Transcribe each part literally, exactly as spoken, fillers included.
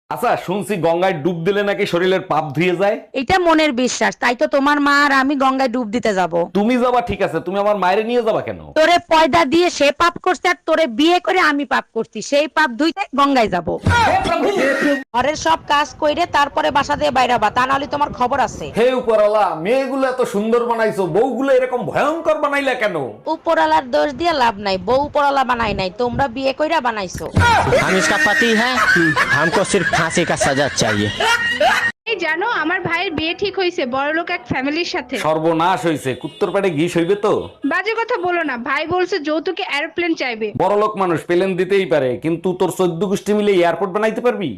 আচ্ছা, শুনছি গঙ্গায় ডুব দিলে নাকি শরীরের পাপ ধুয়ে যায়। এটা মনের বিশ্বাস, তাই তো তোমার মা আর আমি গঙ্গায় ডুব দিতে যাব। তুমি যাবা ঠিক আছে, তুমি আমার মায়ের নিয়ে যাবা কেন? তোরে পয়দা দিয়ে সে পাপ করছে আর তোরে বিয়ে করে আমি পাপ করছি, সেই পাপ ধুইতে গঙ্গায় যাব। ঘরের সব কাজ কইরে তারপরে বাসা দিয়ে বাইরাবা, তা নাহলে তোমার খবর আছে। হে উপরওয়ালা, মেয়েগুলো এত সুন্দর বানাইছো, বউগুলো এরকম ভয়ঙ্কর বানাইলা কেন? উপরালার দোষ দিয়ে লাভ নাই, বউ উপরালা বানাই নাই, তোমরা বিয়ে কইরা বানাইছো। हम इसका पति है, हमको सिर्फ फांसी का सजा चाहिए। এই জানো আমার ভাইয়ের বিয়ে ঠিক হয়েছে বড়লোক এক ফ্যামিলির সাথে। সর্বনাশ হইছে, কুত্তর পেটে ঘিস হইবে তো। বাজে কথা বলো না, ভাই বলছে যৌতুকে এরোপ্লেন চাইবে। বড়লোক মানুষ পেলেন দিতেই পারে, কিন্তু তোর চোদ্দ গোষ্ঠী মিলে এয়ারপোর্ট বানাইতে পারবি?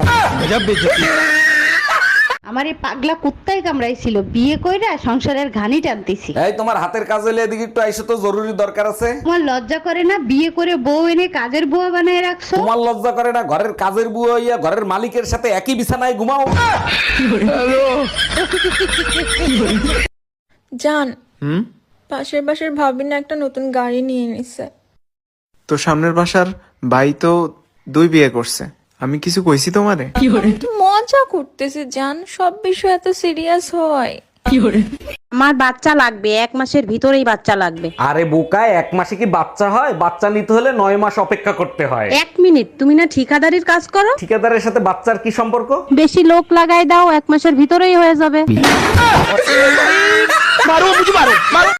আমার এই পাগলা কুত্তাই কামড়াইছিল, বিয়ে কইরা সংসারের ঘানি টানতেছি। এই তোমার হাতের কাজ হলে এদিকে একটু আইসো তো, জরুরি দরকার আছে। তোমার লজ্জা করে না বিয়ে করে বউ এনে কাজের বুয়া বানায় রাখছো? তোমার লজ্জা করে না ঘরের কাজের বুয়া হইয়া ঘরের মালিকের সাথে একই বিছানায় ঘুমাও? জান, হুম, পাশের বাসার ভাবি না একটা নতুন গাড়ি নিয়ে নিছে। তো সামনের বাসার ভাই তো দুই বিয়ে করছে, আমি কিছু কইছি তোমারে? একটু মজা করতেছে জান, সব বিষয় এত সিরিয়াস হয়। আমার বাচ্চা লাগবে, এক মাসের ভিতরেই বাচ্চা লাগবে। আরে বোকায়, এক মাসে কি বাচ্চা হয়? বাচ্চা নিতে হলে নয় মাস অপেক্ষা করতে হয়। এক মিনিট, তুমি না ঠিকাদারির কাজ করো? ঠিকাদারের সাথে বাচ্চার কি সম্পর্ক? বেশি লোক লাগাই দাও, এক মাসের ভিতরেই হয়ে যাবে।